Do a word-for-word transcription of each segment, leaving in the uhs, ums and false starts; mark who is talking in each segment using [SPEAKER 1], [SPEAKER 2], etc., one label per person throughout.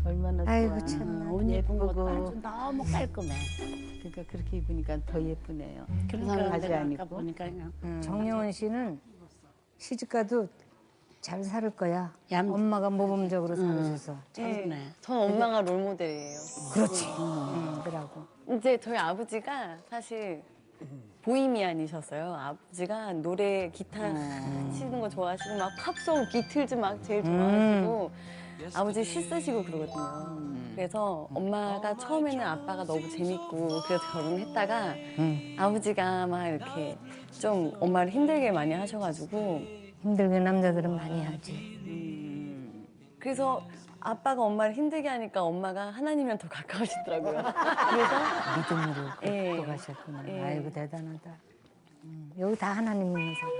[SPEAKER 1] 얼마나 좋아.
[SPEAKER 2] 아이고 참
[SPEAKER 1] 옷
[SPEAKER 2] 예쁜
[SPEAKER 1] 예쁘고
[SPEAKER 2] 것도
[SPEAKER 1] 아주 너무 깔끔해. 그러니까 그렇게 입으니까 더 예쁘네요.
[SPEAKER 3] 그러니까
[SPEAKER 1] 바지
[SPEAKER 3] 내가
[SPEAKER 1] 안
[SPEAKER 3] 아까
[SPEAKER 1] 입고.
[SPEAKER 3] 보니까 그냥
[SPEAKER 2] 음, 정영원 씨는 시집가도 잘 살 거야.
[SPEAKER 3] 얌-
[SPEAKER 2] 엄마가 모범적으로 살으셔서.
[SPEAKER 3] 차분해.
[SPEAKER 4] 전 엄마가 롤모델이에요.
[SPEAKER 2] 그렇지. 음, 그러고.
[SPEAKER 4] 이제 저희 아버지가 사실 보이미안이셨어요. 아버지가 노래 기타 치는 거 좋아하시고 막 팝송 비틀즈 막 제일 좋아하시고 아버지 시 쓰시고 그러거든요. 그래서 엄마가 처음에는 아빠가 너무 재밌고 그래서 결혼했다가 아버지가 막 이렇게 좀 엄마를 힘들게 많이 하셔가지고
[SPEAKER 2] 힘들게 남자들은 많이 하지.
[SPEAKER 4] 그래서 아빠가 엄마를 힘들게 하니까 엄마가 하나님이랑 더 가까워지더라고요. 그래서
[SPEAKER 2] 믿음으로
[SPEAKER 4] 예.
[SPEAKER 2] 또 가셨구나.
[SPEAKER 4] 예.
[SPEAKER 2] 아이고 대단하다. 음, 여기 다 하나님 믿는 사람.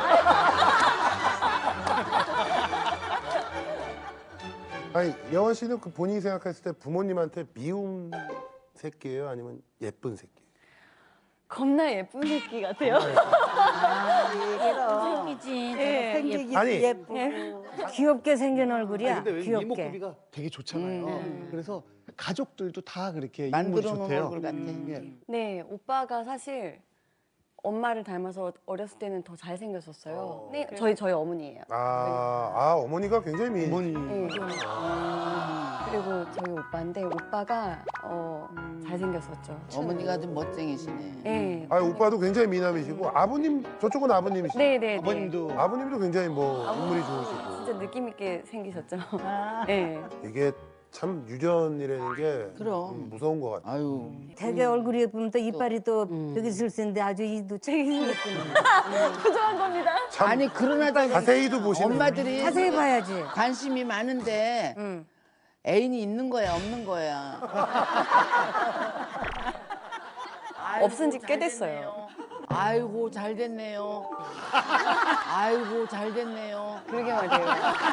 [SPEAKER 5] 아니 여원 씨는 그 본인이 생각했을 때 부모님한테 미운 새끼예요, 아니면 예쁜 새끼?
[SPEAKER 4] 겁나 예쁜 새끼 같아요.
[SPEAKER 3] 생기지.
[SPEAKER 4] 예.
[SPEAKER 1] 생기기
[SPEAKER 5] 아니.
[SPEAKER 1] 예쁘고.
[SPEAKER 2] 귀엽게 생긴 얼굴이야.
[SPEAKER 6] 근데 왜
[SPEAKER 2] 귀엽게.
[SPEAKER 6] 이목구비가 되게 좋잖아요.
[SPEAKER 4] 음.
[SPEAKER 6] 그래서 가족들도 다 그렇게
[SPEAKER 3] 만들어
[SPEAKER 6] 인물이
[SPEAKER 3] 놓은
[SPEAKER 6] 좋대요.
[SPEAKER 3] 얼굴 같아.
[SPEAKER 6] 예.
[SPEAKER 4] 네, 오빠가 사실 엄마를 닮아서 어렸을 때는 더 잘생겼었어요. 네, 저희 저희 어머니예요.
[SPEAKER 5] 아, 아 어머니가 굉장히 미인.
[SPEAKER 6] 어머니
[SPEAKER 4] 네. 그리고 저희 오빠인데 오빠가 어, 잘생겼었죠.
[SPEAKER 3] 어머니가 좀 멋쟁이시네.
[SPEAKER 4] 네.
[SPEAKER 5] 아 오빠도 굉장히 미남이시고 아버님 저쪽은 아버님이시죠?
[SPEAKER 4] 네, 네, 네.
[SPEAKER 6] 아버님도
[SPEAKER 5] 아버님도 굉장히 뭐 인물이 좋으시고
[SPEAKER 4] 진짜 느낌 있게 생기셨죠. 네.
[SPEAKER 5] 이게 참 유전이라는 게
[SPEAKER 3] 그럼.
[SPEAKER 5] 좀 무서운 것 같아요.
[SPEAKER 3] 아유.
[SPEAKER 2] 되게 얼굴이 예쁘면 또 이빨이 또 여기 있을 텐데 아주 이도 책이 생겼구나.
[SPEAKER 4] 부정한 겁니다.
[SPEAKER 5] 참
[SPEAKER 3] 아니 그러나 저기
[SPEAKER 5] 자세히도 보시는
[SPEAKER 3] 엄마들이
[SPEAKER 2] 자세히 봐야지.
[SPEAKER 3] 관심이 많은데
[SPEAKER 2] 응.
[SPEAKER 3] 애인이 있는 거야 없는 거야.
[SPEAKER 4] 없은 지 꽤 됐어요.
[SPEAKER 3] 아이고 잘 됐네요. 아이고 잘 됐네요.
[SPEAKER 4] 그러게 말이에요.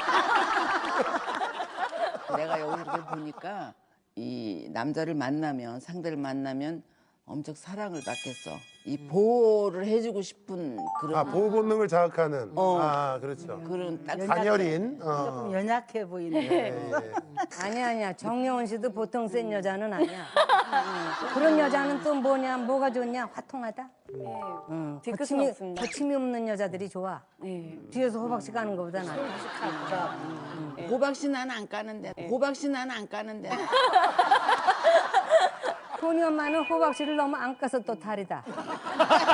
[SPEAKER 3] 내가 여기 이렇게 보니까 이 남자를 만나면 상대를 만나면 엄청 사랑을 받겠어. 이 보호를 해주고 싶은 그런
[SPEAKER 5] 아 보호 본능을 자극하는.
[SPEAKER 3] 어.
[SPEAKER 5] 아 그렇죠.
[SPEAKER 3] 그런 딱
[SPEAKER 5] 단열인.
[SPEAKER 1] 조금
[SPEAKER 5] 어.
[SPEAKER 1] 연약해 보이네.
[SPEAKER 5] 예.
[SPEAKER 2] 아니야 아니야. 정영원 씨도 보통 센 여자는 아니야. 응. 그런 여자는 또 뭐냐 뭐가 좋냐 화통하다.
[SPEAKER 4] 네.
[SPEAKER 2] 응.
[SPEAKER 4] 뒤끝은
[SPEAKER 2] 거침이,
[SPEAKER 4] 없습니다.
[SPEAKER 2] 거침이 없는 여자들이 좋아.
[SPEAKER 4] 네.
[SPEAKER 2] 뒤에서 호박씨 가는 것보다 나.
[SPEAKER 3] 호박씨 난 안 까는데 호박씨 난 안 까는데
[SPEAKER 2] 토니 엄마는 호박씨를 너무 안 까서 또 탈이다.